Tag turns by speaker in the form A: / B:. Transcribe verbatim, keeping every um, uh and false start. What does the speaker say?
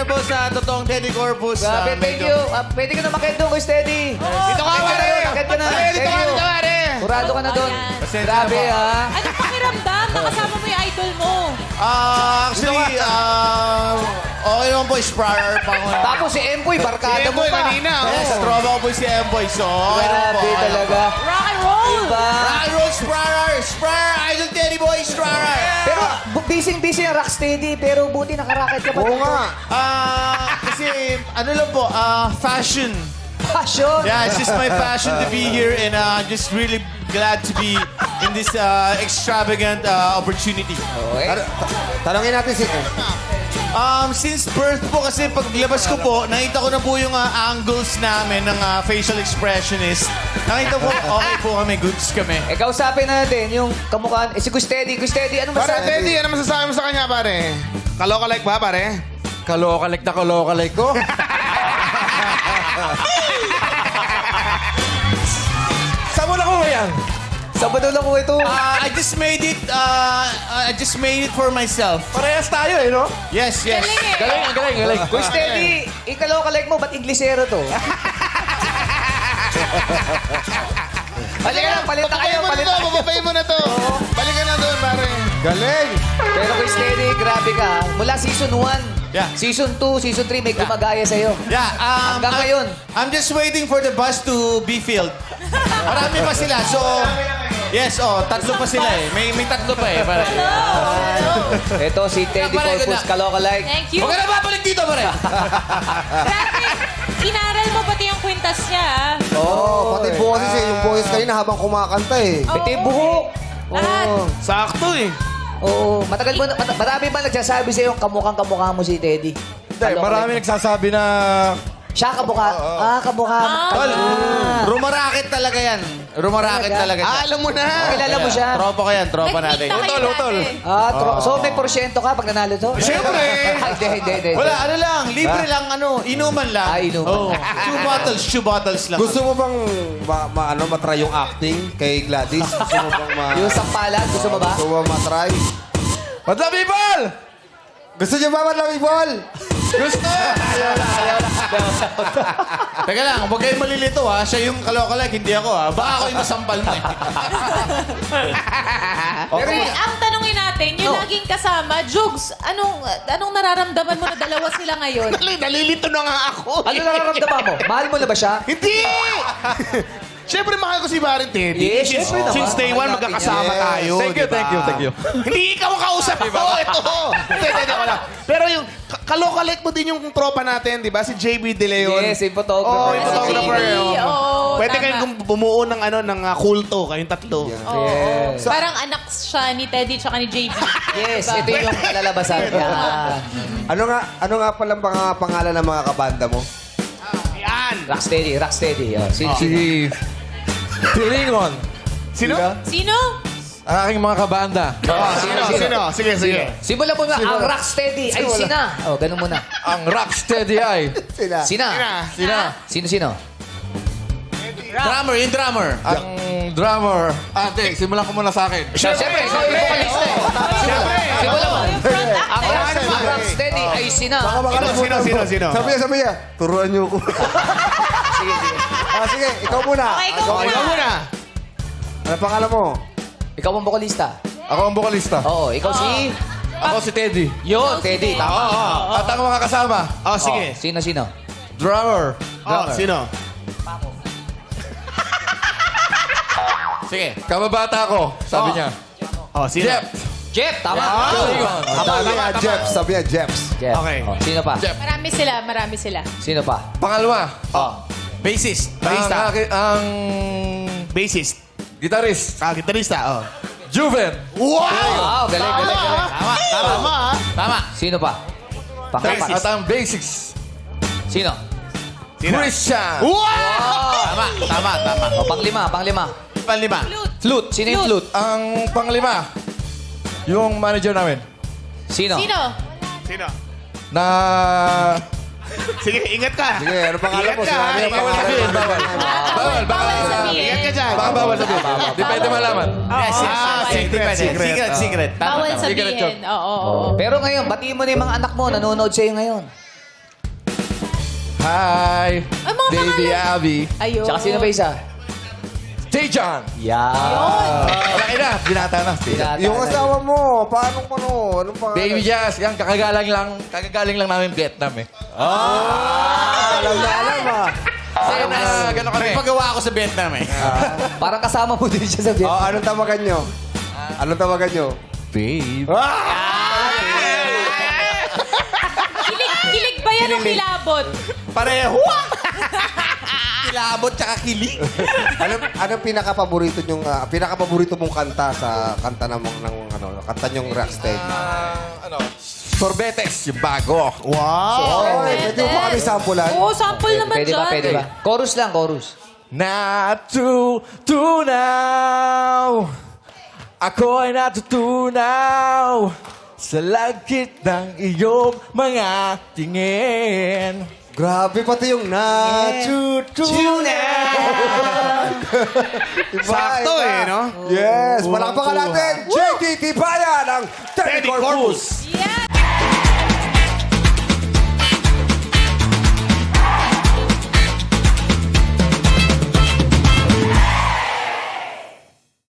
A: na po sa totoong Teddy Corpus.
B: Grabe,
A: Ah,
B: thank
A: medyo-
B: you. Ah, pwede ka na makit doon, Kuya Steady.
A: Dito ka, pare!
B: Makit ka na.
A: Pare, dito
B: Thank
A: ka,
B: you.
A: dito, pare!
B: Kurado ka na doon.
C: Ayan.
A: Pasensya
B: Grabe,
A: na po.
B: ha?
C: Anong pakiramdam? Nakasama mo yung idol mo.
A: Ah, actually, ah, okay naman po, Sprayer pa ako.
B: Tapos si Empoy,
A: Si
B: barkada mo
A: Emboy
B: pa.
A: kanina. Yes, tropa ko po si Emboy. So, okay naman po.
B: Grabe
A: okay naman
B: talaga.
C: Rock and roll!
B: Diba?
A: Rock and roll, Sprayer! Sprayer! Idol Teddy Boy, Sprayer!
B: Pero bu- busy-busy ang Rocksteady, pero buti nakaraket ka pa.
D: Oo nga.
A: Ah, kasi, ano lang po, ah, fashion.
B: Passion.
A: Yeah, it's just my passion to be here and uh, just really glad to be in this uh, extravagant uh, opportunity.
B: Okay.
D: Tar- Tanongin natin si...
A: Um, since birth po kasi paglabas ko po, nakita ko na po yung uh, angles namin ng uh, facial expressionist. Nakita ko, okay po kami, goods kami.
B: Eh, kausapin natin yung kamukhaan. Eh, si Gustedi. Gustedi, anong
E: Pare,
B: masabi?
E: Teddy, ano masasabi mo sa kanya, pare? Kaloka-like ba, pare?
D: Kalokalike na kalokalike ko. Saan mo na ko yan?
B: Sabado lang ko ito.
A: Uh, I just made it, uh, I just made it for myself.
D: Parehas tayo eh, no?
A: Yes, yes.
C: Galing eh.
D: Galing, galing, galing.
B: Gustedi, ikalaw ka like mo, ba't Inglesero to? Halika na, palit na kayo,
E: Bababay mo na
B: palit
E: to,
B: na kayo.
E: bababay mo na to. Balik ka na doon, pare.
D: Galing.
B: Pero Gustedi, grabe ka. Mula season one,
A: Yeah.
B: season two, season three, may gumagaya sa'yo.
A: Yeah, um,
B: Hanggang
A: I'm-
B: ngayon.
A: I'm just waiting for the bus to be filled. Marami pa sila, so... Yes, oh, tatlo pa sila eh. May, may tatlo pa eh. Para,
B: Ito si Teddy
A: Pare,
B: Corpus,
A: good
B: kaloka like.
C: Thank you.
A: Huwag ka na babalik dito, pare!
C: Grabe. Inaral mo pati yung kwintas niya, ah.
D: Oo, oh, pati boses eh. Yung boses kanina habang kumakanta eh.
B: Ito yung buhok.
C: Lahat.
B: Oo.
E: Sakto eh.
B: Oo, matagal mo, na- mat- marami ba nagsasabi sa'yo kamukhang kamukha mo si Teddy?
D: Hindi,
B: Kaloka
D: marami
B: like.
D: nagsasabi na...
B: Siya kamukha. Ah, kamukha.
C: Ah.
A: Tol,
B: Ah.
A: rumaraket talaga yan. Rumaraket talaga
E: Ah,
A: yan.
E: alam mo na.
B: Kilala mo siya?
A: Tropa ko yan, tropa natin.
C: Nagkita kayo
D: Utol, utol.
C: dati.
B: Ah, tro- so may porsyento ka pag nanalo to?
A: Siyempre.
B: Ay, Hindi, hindi, hindi.
A: Wala, ano lang, libre lang, ano, inuman lang.
B: Ah, inuman.
A: Oh, two bottles, two bottles lang.
D: Gusto mo bang ma, ma, ano, matry yung acting kay Gladys? Gusto mo bang ma...
B: Yung sampalan, gusto mo ba?
D: Gusto mo matry? Madla people! Gusto niyo ba madla people?
A: Gusto! Teka lang, huwag kayong malilito ha. Siya yung kalokalike, hindi ako ha. Baka ako yung masampal mo eh.
C: Pero ang tanongin natin, yung
B: No.
C: laging kasama, Jugs, anong anong nararamdaman mo na dalawa sila ngayon?
E: Dali, nalilito na nga ako.
B: Ano nararamdaman mo? Mahal mo na ba siya?
E: Hindi! Siyempre, mahal ko si Baron Teddy.
B: Yes,
E: since,
B: syempre naman.
E: since day one,
B: Mahal natin
E: magkakasama
D: yan.
E: tayo.
D: Thank you,
E: diba?
D: thank you, thank you.
E: Hindi ikaw ang kausap ko. Ito. Hindi, hindi, hindi, wala. Pero yung ka- kalokalike mo din yung tropa natin, di ba? Si J B De Leon.
B: Yes, yung photographer.
E: Oh, yung
C: Si
E: photographer.
C: J B,
E: oh.
C: oo,
E: Pwede
C: tama.
E: kayong gum- bumuo ng ano ng uh, kulto, kayong tatlo.
C: Oo.
B: Yes.
C: Parang anak siya ni Teddy tsaka ni J B.
B: Yes, ito yung kalalabasan. Yan.
D: Ano nga, ano nga palang pang, pangalan ng mga kabanda mo?
E: Yan.
B: Rocksteady, Rocksteady. Oh, si, si,
D: Si... Pilingon.
E: Sino?
C: Sino?
D: Ang aking mga kabanda.
E: Sino? Sino? Sige, sige.
B: Simulan mo na, ang Rocksteady ay sina. Oh, ganun muna.
D: Ang Rocksteady ay...
B: Sina.
E: Sina.
D: Sina?
B: Sino, sino?
A: Drummer, yung drummer.
D: Ang drummer. Ate, simulan ko muna sa akin.
B: Siyempre, ikaw yung vocalista eh.
E: Siyempre.
B: Simulan mo.
C: Yung front
B: Ang
C: actor.
B: Rocksteady, ang Rocksteady ay sina.
E: Sino, sino, sino, sino?
D: Sabi niya, sabi niya, turuan niyo ko.
B: Sige, sige.
D: Ah, sige, ikaw muna.
C: Okay, ikaw
E: Okay, ikaw muna.
D: Ano pangalan mo?
B: Ikaw ang vocalista.
D: Ako ang vocalista.
B: Oo, ikaw si...
D: Ako si Teddy.
B: Yun, Teddy. Tama.
D: At ang mga kasama,
E: Oh, sige.
B: Oh, sino, sino?
D: drummer.
E: Oh, sino?
A: Sige.
D: Kababata ko, sabi
A: Oh.
D: niya.
E: Oh, sino?
D: Jeff.
B: Jeff, tama.
D: Pilingon.
E: Sabi niya,
D: Jeff, sabi niya, Jeff.
B: Jeff.
E: Okay.
B: Oh, sino pa?
D: Jeff.
C: Marami sila, marami sila.
B: Sino pa?
D: Pangalawa,
A: Oh. Bassist.
D: ang,
A: Bassista.
D: aki- ang
E: Bassist.
D: gitarist,
E: Ah, gitarista, oh.
D: Juven.
E: Wow!
B: Wow, galing, galing, galing.
A: Tama, tama.
E: Tama, ah.
A: Tama.
B: Sino pa? Pang-apat.
D: At ang basics,
B: Sino?
E: Sino?
D: Christian.
E: Wow!
A: Tama, tama, tama.
B: O, pang-lima, pang-lima.
A: Panlima.
C: Flute.
B: Flute. Sino yung flute?
D: Ang panglima, yung manager namin,
B: Sino?
C: Sino?
E: Sino?
D: na...
E: Sige, ingat ka.
D: Sige, ano pangalan
E: Ingat
D: mo?
E: ka.
D: Sinabi na
E: Ingat
D: bawal
E: ka.
D: sabihin, bawal.
C: Bawal, bawal sabihin.
E: Ingat ka dyan.
D: Baka bawal sabihin. Di pwede malaman.
A: Yes, yes.
E: Ah,
A: Hindi
E: secret,
A: pwede.
E: secret.
A: Secret,
D: Ah.
A: secret. Tama,
C: Bawal
A: tama.
D: Secret
C: sabihin.
D: joke.
C: Oo, oo, oo.
B: Pero ngayon, batiin mo na yung mga anak mo, nanonood sa'yo ngayon.
D: Hi.
C: Ay, mga
D: Baby
C: pangalan.
D: Abby.
C: Ayun.
B: Tsaka sino ba isa?
D: Tejan.
B: Yan.
D: Malaki na. Binata na. Tejan.
B: Binata
F: Yung
B: na.
F: asawa mo, paano mo, ano? Anong pangalan?
D: Baby Jazz. Yan, kakagaling lang. Kakagaling lang namin Vietnam eh.
F: Alam na alam ah.
D: Sa'yo na, gano'n kami.
A: May pagawa ako sa Vietnam eh.
B: Parang kasama mo din siya sa
F: Oh,
B: Vietnam.
F: anong tawagan nyo? Anong tawagan nyo?
D: Babe.
C: Kilig, kilig ba yan o kilabot?
A: Pareho. Kilabot tsaka kilig.
F: Ano anong pinaka-paborito nyong ah, pinaka-paborito mong kanta sa kanta ng, ng ano, kanta nyong rockstage?
D: Ah, ano? Sorbetes, yung bago.
F: Oh, pwede mo pa kami sampulan?
C: Oo, sample naman
B: Pwede
C: dyan.
B: ba, pwede ba? Chorus lang, chorus.
D: Natutunaw. Ako'y natutunaw sa langit ng iyong mga tingin.
F: Grabe pati yung natutunan. Iba,
E: Sakto
F: iba.
E: eh, no?
F: Yes, palakpakan natin, J T Tibayan ng Teddy
E: Teddy
F: Corpus.
E: Corpus.